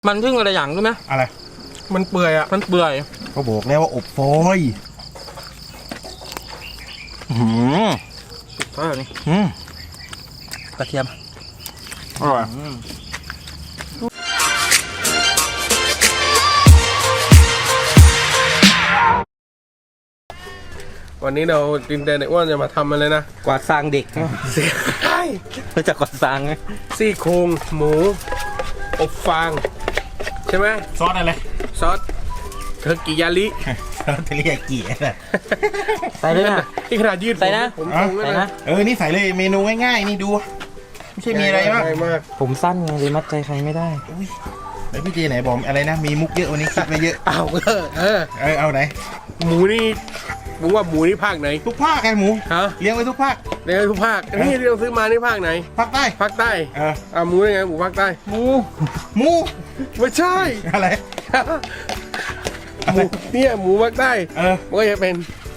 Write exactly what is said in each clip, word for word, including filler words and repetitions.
มันทึ่งอะไรอย่างรู้ไหมอะไรมันเปื่อยอ่ะมันเปื่อยก็บอกแล้วว่าอบฟอยล์หืมเท่านี้อืมกระเทียมอร่อยวันนี้เราดินแดนไอ้อ้วนจะมาทำอะไรนะกวาดซางเด็กใช่รู้จักกวาดซางไหมซี่โครงหมูอบฟางใช่ไหมซอสอะไรซอสเทอร์กิยาลิซอสเทริยากิใส่เลยนะที่ขนาดยืดใส่นะผมตรงเลยนะเออนี่ใส่เลยเมนูง่ายๆนี่ดูไม่ใช่มีอะไรมากมากผมสั้นไงเลยมัดใจใครไม่ได้แล้วพี่เจไหนบอกอะไรนะมีมุกเยอะวันนี้คิดมาเยอะเอาเออเออเออเอาไหนหมูนี่มึงว่าหมูนี่ภาคไหนทุกภาคไงหมูฮะเลี้ยงไว้ทุกภาคเลี้ยงไว้ทุกภาคนี่ที่เราซื้อมานี่ภาคไหนภาคใต้ภาคใต้เอออ่าหมูยังไงหมูภาคใต้หมูหมูไม่ใช่อะไรหมูเนี่ยหมูภาคใต้เออมันก็จะเป็น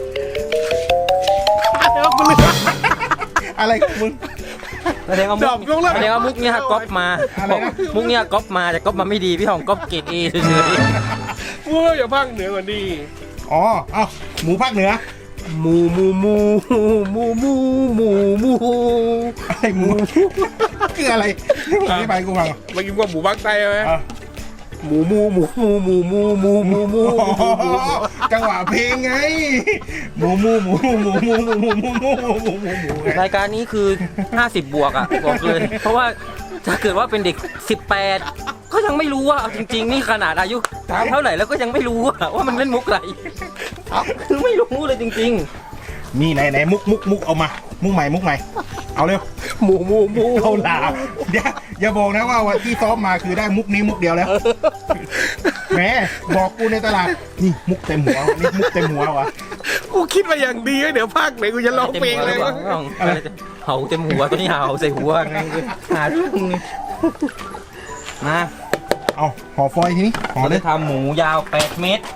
อะไรของมึงแสดงว่ามุกแสดงว่ามุกเนี่ยก๊อปมามุกเนี่ยก๊อปมาแต่ก๊อปมาไม่ดีพี่หองก๊อปเกรดเอเฉยๆพูดอย่าภาคเหนือกว่านี้อ๋อเอ้าหมูภาคเหนือหมูหมูหมูหมูหมูหมูหมูอะไรหมูคืออะไรอธิบายกูฟังเมื่อกี้ว่าหมูภาคใต้ไหมหมูหมูหมูหมูหมูหมูหมูหมูหมูจังหวะเพลงไงหมูหมูหมูหมูหมูหมูหมูหมูหมูหมูหมูรายการนี้คือห้าสิบบวกอ่ะบอกเลยเพราะว่าถ้าเกิดว่าเป็นเด็กสิบแปดก็ยังไม่รู้ว่าจริงๆนี่ขนาดอายุเท่าไหร่แล้วก็ยังไม่รู้ว่ามันเล่นมุกอะไรคือไม่รู้เลยจริงๆมีไหนไหนมุกมุกมุกเอามามุกใหม่มุกใหม่เอาเร็วหมูหมูหมูเอาลาอย่าอย่าบอกนะว่าวันที่ซ้อมมาคือได้มุกนี้มุกเดียวแล้วแหมบอกกูในตลาดนี่มุกเต็มหัวนี่มุกเต็มหัววะกูคิดมาอย่างดีเดี๋ยวภาคไหนกูจะร้องเพลงเลยเห่าเต็มหัวตัวนี้เห่าใส่หัวไงหาเรื่องมาเอาห่อฟอยทีนี้ห่อเลยทำหมูยาวแปดเมตร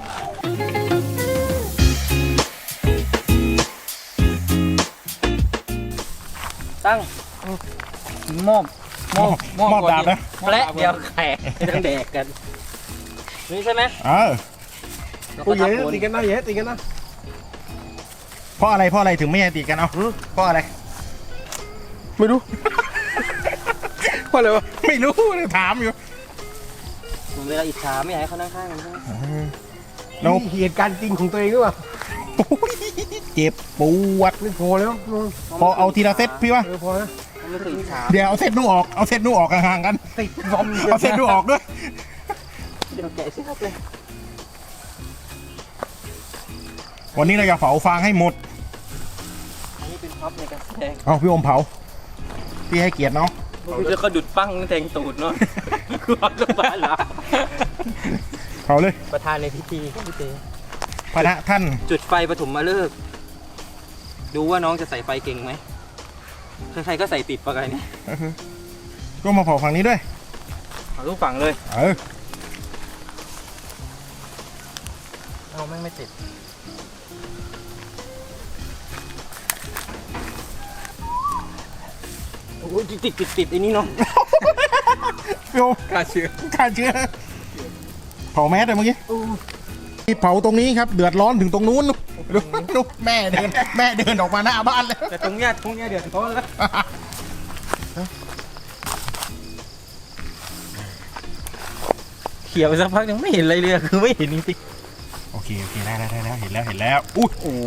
ตั้งหม้อหม้อหม้อดาบนะและเดี๋ยวแขกต้องแดกกันนี่ใช่ไหมเออกูเยอะตีกันนะเยอะตีกันนะเพราะอะไรเพราะอะไรถึงไม่ให้ตีกันเอาเพราะอะไรไม่รู้เพราะอะไรวะไม่รู้เลยถามอยู่เวลาอิจฉาไม่อยากให้เขานั่งข้างกันใช่ไหมเราเหตุการณ์จริงของตัวเองหรือเปล่าเจ็บปวดไม่พอแล้วพอเอาทีละเซตพี่วะพอแล้วเดี๋ยวเอาเซตนู้ออกเอาเซตนู้ออกห่างๆกันติดบอมเอาเซตนู้ออกด้วยเดี๋ยวแกะซิครับเลยวันนี้เราจะเผาฟางให้หมดอันนี้เป็นพับในการแสดงเอาพี่อมเผาพี่ให้เกียรติเนาะพี่จะกระดุดปั้งแทงตูดเนาะคือความสบายหรอเผาเลยประธานในพิธีพี่เต้พระท่านจุดไฟปฐมฤกษ์ดูว่าน้องจะใส่ไฟเก่งไหมใครๆก็ใส่ติดปะไงนี่ก็มาเผาฝั่งนี้ด้วยเผาทุกฝั่งเลยเออเอาไม่ไม่ติดโอ้ยติดติดติดติดไอ้นี่เนาะโยฆ่าเชื้อฆ่าเชื้อเผาแมสเลยเมื่อกี้ที่เผาตรงนี้ครับเดือดร้อนถึงตรงนู้นดูดูแม่เดินแม่เดินออกมาหน้าบ้านเลยแต่ตรงเนี้ยตรงเนี้ยเดือดร้อนแล้วเขี่ยไปสักพักยังไม่เห็นอะไรเลยคือไม่เห็นจริงโอเคโอเคได้ได้ได้แล้วเห็นแล้วเห็นแล้วอุ้ยโอ้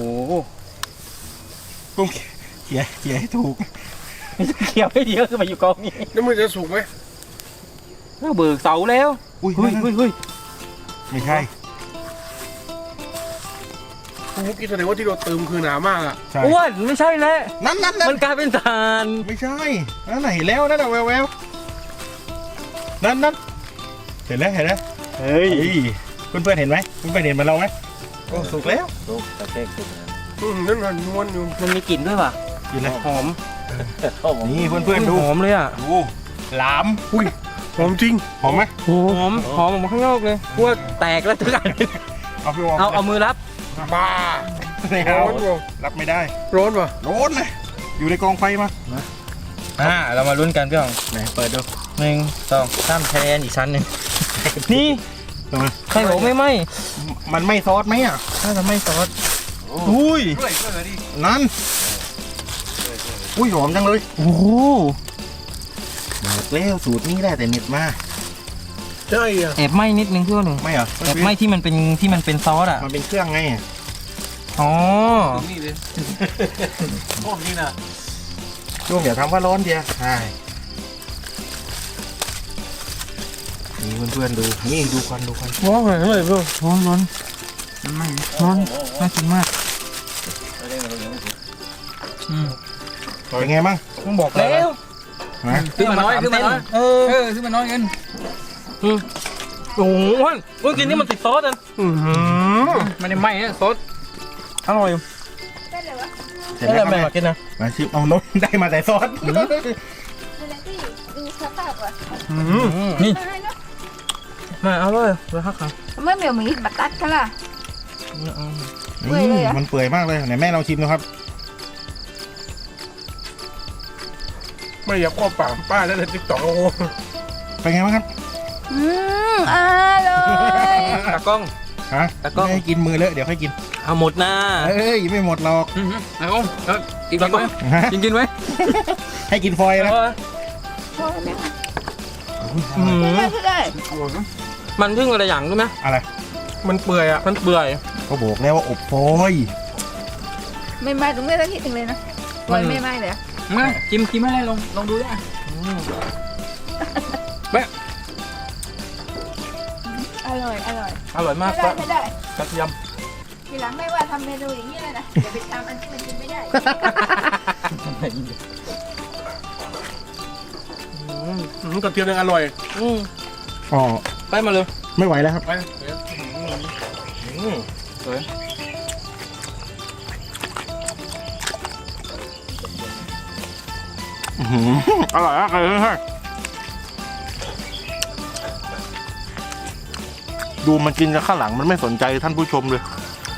กุ้งเขี่ยเขี่ยให้ถูกเขี่ยไม่ดีก็คือมาอยู่กองนี้แล้วมันจะสุกไหมก็เบิกเสาแล้วอุ้ยเฮ้ยเฮ้ยเฮ้ยไม่ใช่มุกกี้แสดงว่าที่เราเติมคือหนามากอ่ะอ้วนไม่ใช่แล้วนั่นนั่นมันกลายเป็นฐานไม่ใช่นั่นไหนแล้วนั่นแววแววนั่นนั่นเห็นแล้วเห็นแล้วเฮ้ยเพื่อนเพื่อนเห็นไหมเพื่อนเพื่อนเห็นเหมือนเราไหมโอ้สุกแล้วสุกแต่เด็กอืมนั่นมันนวลอยู่มันมีกลิ่นด้วยป่ะกลิ่นอะไรหอมนี่เพื่อนเพื่อนดูหอมเลยอ่ะดูหลามอุ้ยหอมจริงหอมไหมหอมหอมออกมาข้างนอกเลยพวกแตกแล้วทุกอย่างเอาเอาเอามือรับบ้าร้อนรับไม่ได้ร้อนป่ะร้อนเลยอยู่ในกองไฟมาอ่าเรามาลุ้นกันพี่หองไหนเปิดดูหนึ่งสองสามแทนอีกชั้นหนึ่งนี่ทำไมใครบอกไม่ไหมมันไม่ซอสไหมอ่ะถ้าจะไม่ซอสอุ้ยช่วยช่วยหน่อยดินั่นอุ้ยหอมจังเลยโอ้โหบอกแล้วสูตรนี้ได้แต่เน็ตมาใช่อ่ะแอบไหมนิดนึงพี่ว่าหนึ่งไม่เหรอแอบไหมที่มันเป็นที่มันเป็นซอสอ่ะมันเป็นเครื่องไงอ๋อนี่เลยโอ้นี่นะช่วงอย่าทำว่าร้อนเดียวใช่นี่เพื่อนๆดูนี่ดูควันดูควันว้าวอร่อยเลยร้อนร้อนร้อนน่ากินมากอืมเป็นไงบ้างต้องบอกแล้วนะขึ้นมาน้อยขึ้นมาน้อยเออเออขึ้นมาน้อยกันอืมโอ้โหวันวันกินนี่มันติดซอสอ่ะอือหือไม่ได้ไหม้นะซดอร่อยเสร็จนี่แล้แหวละครับแม่กินนะมาชิมเอาน้นได้มาแต่ซอสดูสภาพอ่ะนี่ไม่เนาะมาเอาเลยเลยฮักค่ะไม่เหมียวมีบัตตัดกันล่ะ เปื่อยนี่เลยอะมันเปื่อยมากเลยไหนแม่ลองชิมดูครับไม่อยากอ้อมปากป้าแล้วในติ๊กต็อกโอ้โหเป็นไงบ้างครับอืมอร่อยตากล้องฮะแต่ก็ไม่ให้กินมือเลอะเดี๋ยวค่อยกินเอาหมดนะเอ้ยไม่หมดหรอกเอาเอากินกินไหมฮะกินกินไหมให้กินฟอยล์นะพอแล้วอืมไม่ได้มันทึ่งอะไรอย่างรู้ไหมอะไรมันเปื่อยอ่ะมันเปื่อยก็บอกแล้วว่าอบฟอยล์ไม่ไหม้ตรงนี้ต้องคิดถึงเลยนะปล่อยไม่ไหม้เลยอะมาจิ้มจิ้มให้ลองลองดูได้อร่อยอร่อยอร่อยมากไม่ได้ไม่ได้กระเทียมทีหลังไม่ว่าทำเมนูอย่างนี้เลยนะอย่าไปทำอันที่มันกินไม่ได้อืมกระเทียมยังอร่อยอืมอ๋อไปมาเลยไม่ไหวแล้วครับไปอืมสวยอื้อหืออร่อยมากเลยเฮ้ยดูมันกินจากข้างหลังมันไม่สนใจท่านผู้ชมเลย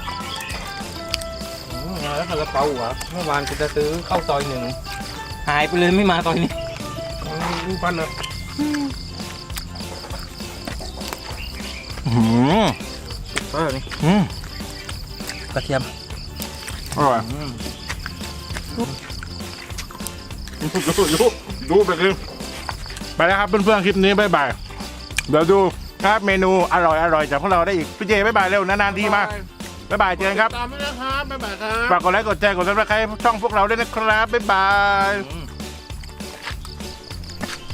อืมแล้วคาราเปาเหรอเมื่อวานกูจะซื้อเข้าซอยหนึ่งหายไปเลยไม่มาซอยนี้รูปปั้นนะอื้อหือเออนี่อืมกระเทียมอร่อยอืมดูดูดูไปเลยไปแล้วครับเพื่อนๆคลิปนี้บ๊ายบายเดี๋ยวดูครับเมนูอร่อยอร่อยจากพวกเราได้อีกพี่เจบ๊ายบายเร็วนานๆทีมาบ๊ายบายเจอกันครับตามด้วยนะครับบ๊ายบายครับฝากกดไลค์กดแชร์กดซับสไครต์ช่องพวกเราด้วยนะครับบ๊ายบายอืม